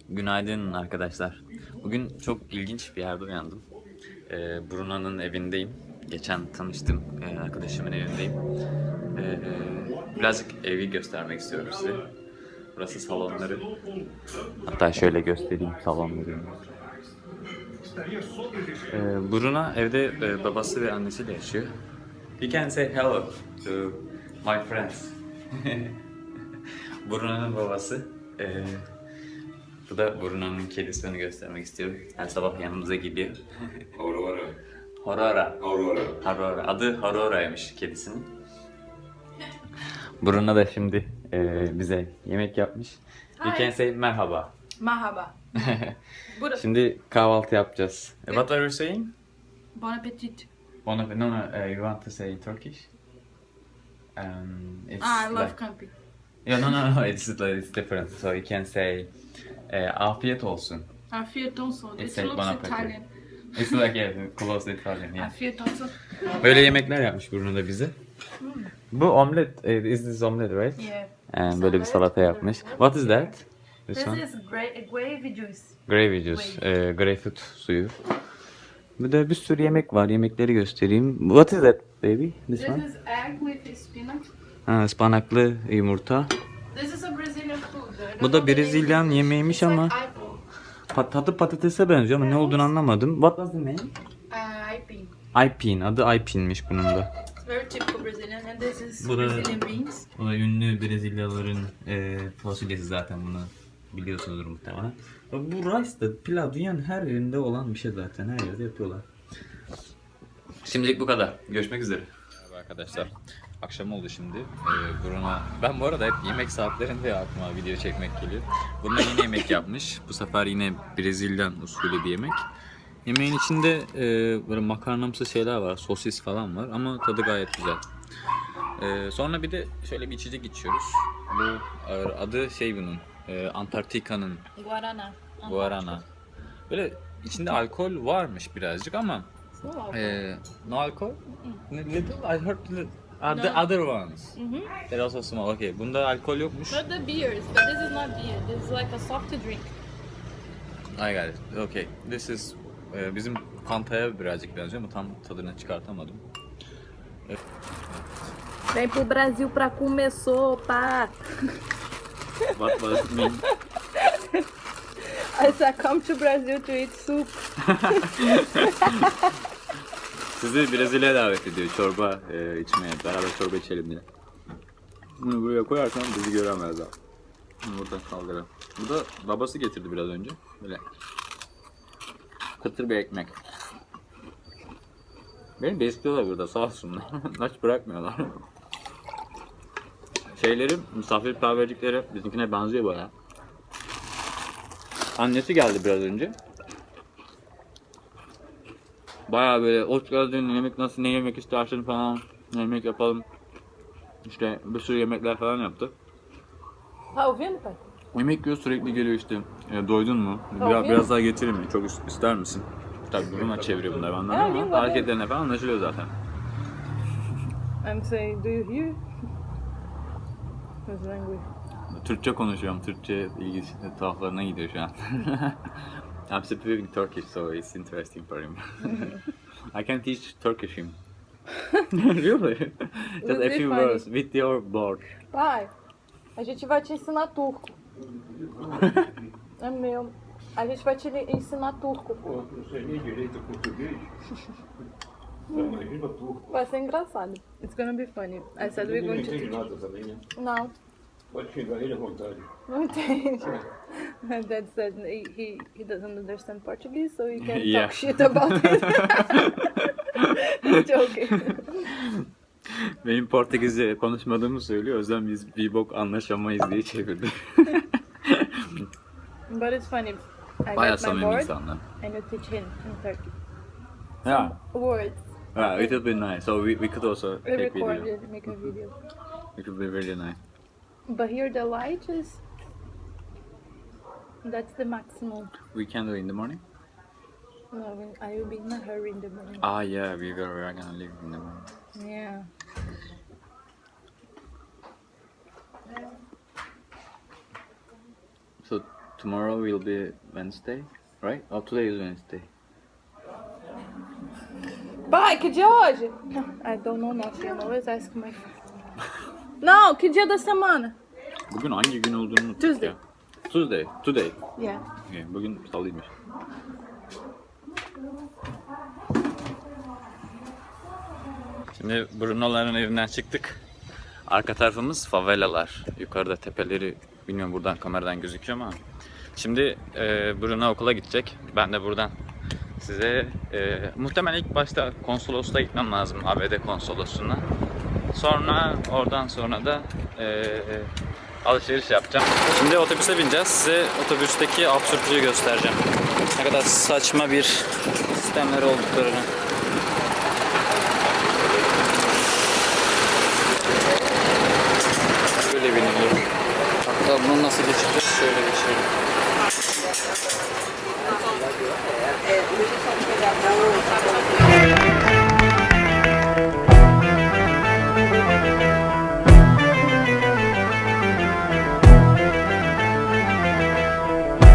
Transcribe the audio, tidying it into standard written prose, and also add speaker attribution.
Speaker 1: Günaydın arkadaşlar. Bugün çok ilginç bir yerde uyandım. Bruna'nın evindeyim. Geçen tanıştım arkadaşımın evindeyim. Birazcık evi göstermek istiyorum size. Burası salonları. Hatta şöyle göstereyim salonları. Bruna evde babası ve annesiyle yaşıyor. You can say hello to my friends. Bruna'nın babası. Bu da Bruna'nın kedisi, onu göstermek istiyorum. Her sabah yanımıza geliyor.
Speaker 2: Aurora.
Speaker 1: Aurora.
Speaker 2: Aurora.
Speaker 1: Aurora. Adı Aurora'ymış kedisinin. Bruna da şimdi bize yemek yapmış. You can say merhaba.
Speaker 3: Merhaba. Burada.
Speaker 1: Şimdi kahvaltı yapacağız. What are you saying?
Speaker 3: Bon appetit.
Speaker 1: No, you want to say in Turkish? It's
Speaker 3: I love
Speaker 1: like...
Speaker 3: camping.
Speaker 1: Yeah, no, it's different. So you can say afiyet olsun.
Speaker 3: Afiyet olsun.
Speaker 1: It's
Speaker 3: It
Speaker 1: like
Speaker 3: looks
Speaker 1: bon appetit.
Speaker 3: Italian.
Speaker 1: It's like yeah, close to Italian. Yeah.
Speaker 3: Afiyet olsun.
Speaker 1: Böyle yemekler yapmış Bruno da bize. Bu omlet, is this omelet right?
Speaker 3: Yeah.
Speaker 1: Böyle bir salata yapmış. What is that? This
Speaker 3: This
Speaker 1: one?
Speaker 3: is gravy juice.
Speaker 1: Gravy juice, greyfurt suyu. Bir de bir sürü yemek var. Yemekleri göstereyim. What is that baby? This
Speaker 3: This
Speaker 1: one?
Speaker 3: is egg with spinach.
Speaker 1: Ha, ıspanaklı yumurta.
Speaker 3: This is a Brazilian food. I don't
Speaker 1: Bu da
Speaker 3: know the name.
Speaker 1: Brezilyan yemeğiymiş
Speaker 3: It's like
Speaker 1: ama
Speaker 3: aipim.
Speaker 1: tadı patatese benziyor ama ne olduğunu anlamadım. What was the name?
Speaker 3: Aipim.
Speaker 1: Aipin. Adı Aipin'miş bunun da.
Speaker 3: It's very typical Brazilian and this is
Speaker 1: Bu da-
Speaker 3: Brazilian beans.
Speaker 1: O da ünlü Brezilyalıların fasulyesi zaten, bunu biliyorsunuzdur muhtemelen. Bu rice da pilav dünyanın her yerinde olan bir şey zaten. Her yerde yapıyorlar. Şimdilik bu kadar. Görüşmek üzere. Merhaba arkadaşlar. Akşam oldu şimdi. Bruno... Ben bu arada hep yemek saatlerinde aklıma video çekmek geliyor. Bruno yine yemek yapmış. Bu sefer yine Brezilyan usulü bir yemek. Yemeğin içinde böyle makarnamsı şeyler var. Sosis falan var ama tadı gayet güzel. Sonra bir de şöyle bir içecek içiyoruz. Bu adı şey bunun. Antarktika'nın
Speaker 3: Guarana.
Speaker 1: Guarana. Böyle içinde alkol varmış birazcık ama no alcohol? Little? I heard little. The
Speaker 3: No.
Speaker 1: other ones. They're also small. Okay. Bunda alkol yokmuş.
Speaker 3: Not the beers, but this is not beer. This is like a soft drink.
Speaker 1: I got it. Okay. This is bizim Fanta'ya birazcık benziyor ama tam tadını çıkartamadım.
Speaker 3: Vem pro Brasil pra comer sopa.
Speaker 1: What does it mean?
Speaker 3: I said come to Brazil to eat soup.
Speaker 1: Sizi Brezilya'ya davet ediyor çorba içmeye. Beraber çorba içelim diye. Bunu buraya koyarsan bizi göremezler. Bunu buradan kaldıralım. Bu da babası getirdi biraz önce. Böyle kıtır bir ekmek. Beni besliyorlar burada, sağ olsunlar. Aç bırakmıyorlar. Şeyleri, misafirperverlikleri bizimkine benziyor bayağı. Annesi geldi biraz önce. Bayağı böyle hoş geldin, yemek nasıl, ne yemek istersin falan, ne yemek yapalım. İşte bir sürü yemekler falan yaptı.
Speaker 3: Tá ouvindo, pai?
Speaker 1: Yemek yiyor, sürekli geliyor işte. Doydun mu?
Speaker 3: Tabii.
Speaker 1: Biraz daha getireyim mi? Çok ister misin? Tabii Bruna çeviriyor bunları benden ama
Speaker 3: lingua
Speaker 1: hareketlerine falan anlaşılıyor zaten.
Speaker 3: I'm saying, do you hear? His language.
Speaker 1: Türkçe konuşuyorum. Türkçe ilgi tuhaflarına gidiyor şu an. I'm speaking Turkish, so it's interesting for him. I can teach Turkish him. Really? Just a
Speaker 3: Would be
Speaker 1: few
Speaker 3: funny.
Speaker 1: words with your board.
Speaker 3: Pai, a gente vai te ensinar turco. É meu. A gente vai te ensinar turco.
Speaker 2: Pô, não sei nem direito português. Imagina turco.
Speaker 3: Vai ser engraçado. It's gonna be funny. I said we're
Speaker 2: Ele não
Speaker 3: going to
Speaker 2: entende
Speaker 3: teach.
Speaker 2: nada também, né?
Speaker 3: Não,
Speaker 2: Pode xingar ele à vontade.
Speaker 3: não entende. My dad said he doesn't understand Portuguese, so he can
Speaker 1: Yeah.
Speaker 3: talk shit about it. He's joking.
Speaker 1: Benim Portekizce konuşmadığımı söylüyor. O yüzden biz bir bok anlaşamayız diye çevirdi.
Speaker 3: But it's funny. I
Speaker 1: Bayağı
Speaker 3: got my
Speaker 1: samimi
Speaker 3: board
Speaker 1: insanlar.
Speaker 3: and you teach him in Turkey.
Speaker 1: Yeah.
Speaker 3: Words.
Speaker 1: Yeah, it would be nice. So we could also
Speaker 3: We
Speaker 1: take
Speaker 3: record
Speaker 1: video.
Speaker 3: it, make a video.
Speaker 1: It would be really nice.
Speaker 3: But here the light is. That's the maximum.
Speaker 1: We can do it in the morning.
Speaker 3: No, I will be in a hurry in the morning.
Speaker 1: Ah yeah, we are gonna leave in the morning.
Speaker 3: Yeah.
Speaker 1: So tomorrow will be Wednesday, right? Oh, today is Wednesday.
Speaker 3: Pai, que dia é hoje? I don't know nothing. I'm always asking my friend. Não, que dia da semana?
Speaker 1: Bugün hangi gün olduğunu unuttuk
Speaker 3: Tuesday.
Speaker 1: ya. Tuesday. Today.
Speaker 3: Yeah.
Speaker 1: Okay, bugün salıymış. Şimdi Bruno'ların evinden çıktık. Arka tarafımız favelalar. Yukarıda tepeleri bilmiyorum buradan kameradan gözüküyor ama. Şimdi Bruno okula gidecek. Ben de buradan size muhtemelen ilk başta konsolosluğa gitmem lazım. ABD konsolosluğuna. Oradan sonra da alışveriş yapacağım. Şimdi otobüse bineceğiz. Size otobüsteki absürtlüğü göstereceğim. Ne kadar saçma bir sistemleri olduklarını. Böyle biniliyor. Hatta bunu nasıl geçeceğiz? Şöyle geçelim.